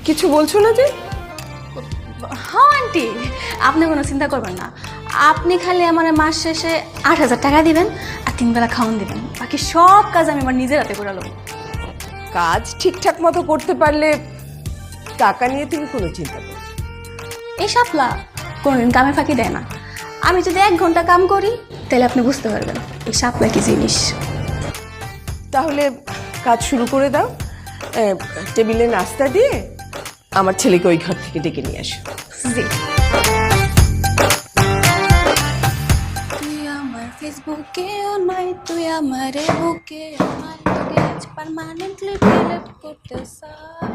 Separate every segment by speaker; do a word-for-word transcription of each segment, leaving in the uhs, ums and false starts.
Speaker 1: কিছু বলছো না যে?
Speaker 2: হ্যাঁ আন্টি, আপনি কোনো চিন্তা করবেন না। আপনি খালি আমার মাস শেষে আট হাজার টাকা দিবেন আর তিন বেলা খাওয়ান দিবেন, বাকি সব কাজ আমি আমার নিজের হাতে করে নেবো।
Speaker 1: কাজ ঠিকঠাক মতো করতে পারলে টাকা নিয়ে তুমি কোনো চিন্তা করো।
Speaker 2: এই শাপলা কোনোদিন কামে ফাঁকি দেয় না। আমি যদি এক ঘন্টা কাম করি তাহলে আপনি বুঝতে পারবেন এই শাপলা কি জিনিস।
Speaker 1: তাহলে কাজ শুরু করে দাও। টেবিলে নাস্তা দিয়ে আমার ছেলেকে ওই ঘর থেকে ডেকে নিয়ে আসো।
Speaker 2: জি। তুই আমার ফেসবুকে নাই, তুই আমার বুকে নাই, তোকে আজ পার্মানেন্টলি ডিলিট করতে চাই।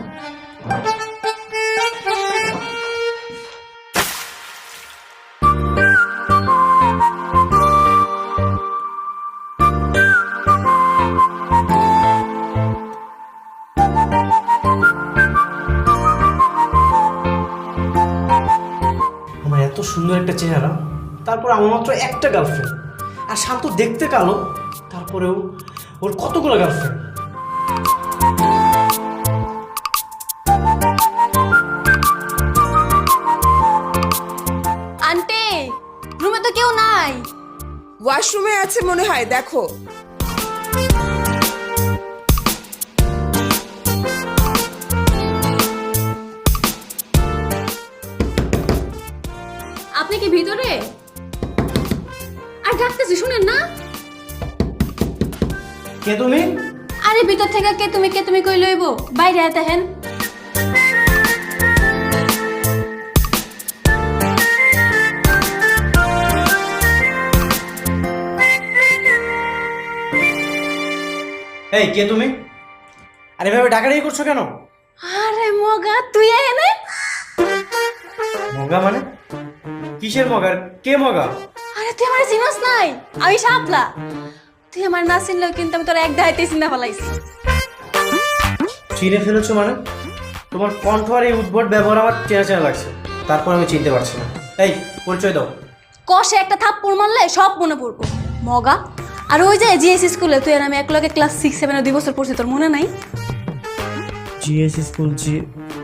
Speaker 3: আমার এত সুন্দর একটা চেহারা, তারপর আমার মাত্র একটা গার্লফ্রেন্ড, আর শান্ত দেখতে কালো, তারপরেও ওর কতগুলো গার্লফ্রেন্ড।
Speaker 2: আন্টি, রুমে তো কেউ নাই।
Speaker 1: ওয়াশরুমে আছে মনে হয়, দেখো।
Speaker 2: আপনি কি ভিতরে? আর ডাকতেছি শুনেন না?
Speaker 3: কে তুমি?
Speaker 2: আরে ভিতর থেকে কে তুমি কে তুমি কই লইব, বাইরে আতে হেন।
Speaker 3: এই কে তুমি? আরে এভাবে ডাকাডাকি করছো কেন?
Speaker 2: আরে মগা তুই এনে?
Speaker 3: মগা মানে? কিসের মগা? কে মগা?
Speaker 2: আরে তুই আমার চিনস নাই? আমি শাপলা। তুই আমার না চিনলেও কিন্তু আমি তোর এক দাইতে চিন্তা ফেলাইছি।
Speaker 3: চিনে ফেলেছো মানে? তোমার কণ্ঠ আর এই উদ্ভট ব্যবহার আমার চেনা চেনা লাগছে, তারপর আমি চিনতে পারছি না। এই পরিচয় দাও।
Speaker 2: কষে একটা থাপ্পড় মারলে সব মনে পড়বো মগা। আর ওই যে জিএস স্কুলে তুই আর আমি এক লগে ক্লাস সিক্স সেভেনে দুই বছর পড়ছি, তোর মনে নাই?
Speaker 3: জিএস স্কুল জি।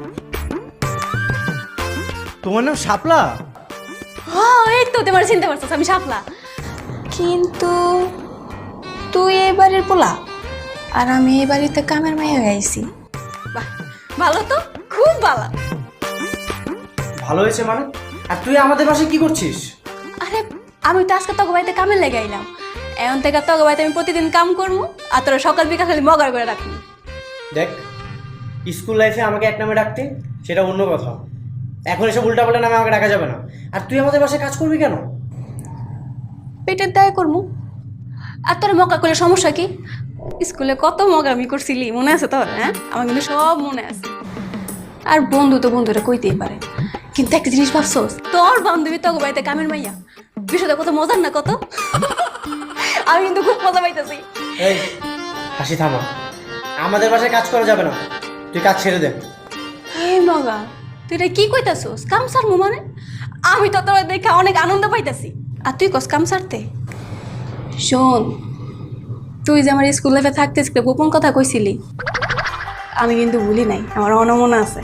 Speaker 3: তোমার নাম শাপলা?
Speaker 2: হ্যাঁ এই তো তোমার চিনতে পারছিস আমি শাপলা। কিন্তু তুই এই বাড়ির পোলা আর আমি এই বাড়িতে কামের মাইয়া হয়ে আইছি। বাহ, ভালো তো, খুব ভালো।
Speaker 3: ভালো হয়েছে মানে? আর তুই আমাদের বাসায় কি করছিস?
Speaker 2: আরে আমি তো আজকে তোকে বাড়িতে কামে লেগে আইলাম। এখন থেকে তোকে বাড়িতে আমি প্রতিদিন কাম করবো আর তোরা সকাল বিকাল খালি মগার করে রাখবি।
Speaker 3: দেখ, স্কুল লাইফে আমাকে এক নামে ডাকতে সেটা অন্য কথা, এখন এসব উল্টাপাল্টা নামে আমাকে ডাকা যাবে না। আর তুই আমাদের বাসায় কাজ করবি কেন?
Speaker 2: পেটের দায় করবো। আর তোর মগা করলে সমস্যা কি? স্কুলে কত মগা আমি করছিলি মনে আছে তোর? হ্যাঁ, আমার কিন্তু সব মনে আছে। আর বন্ধু তো বন্ধুরা কইতেই পারে, কিন্তু একটা জিনিস ভাবছোস, তোর বান্ধবী তোকে বাড়িতে কামের মাইয়া, বিষয়টা কত মজার না কত? আমি কিন্তু খুব মজা পাইতেছি।
Speaker 3: এই হাসি থামা, আমাদের বাসায় কাজ করা যাবে না, তুই কাজ ছেড়ে দে।
Speaker 2: এই মগা তুই এটা কি কইতাছোস? কাম সারমু মানে? আমি তো তোর দেখে অনেক আনন্দ পাইতাছি আর তুই কস কাম সারতে? শোন, তুই যে আমার স্কুল লাইফে থাকতে গোপন কথা কইছিলি, আমি কিন্তু ভুলি নাই, আমার অনমনা আছে।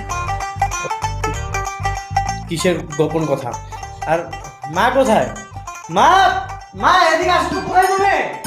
Speaker 3: কিসের গোপন কথা? আর মা কোথায়? মা, মা এদিকে আসো তো, কোথায় তুমি?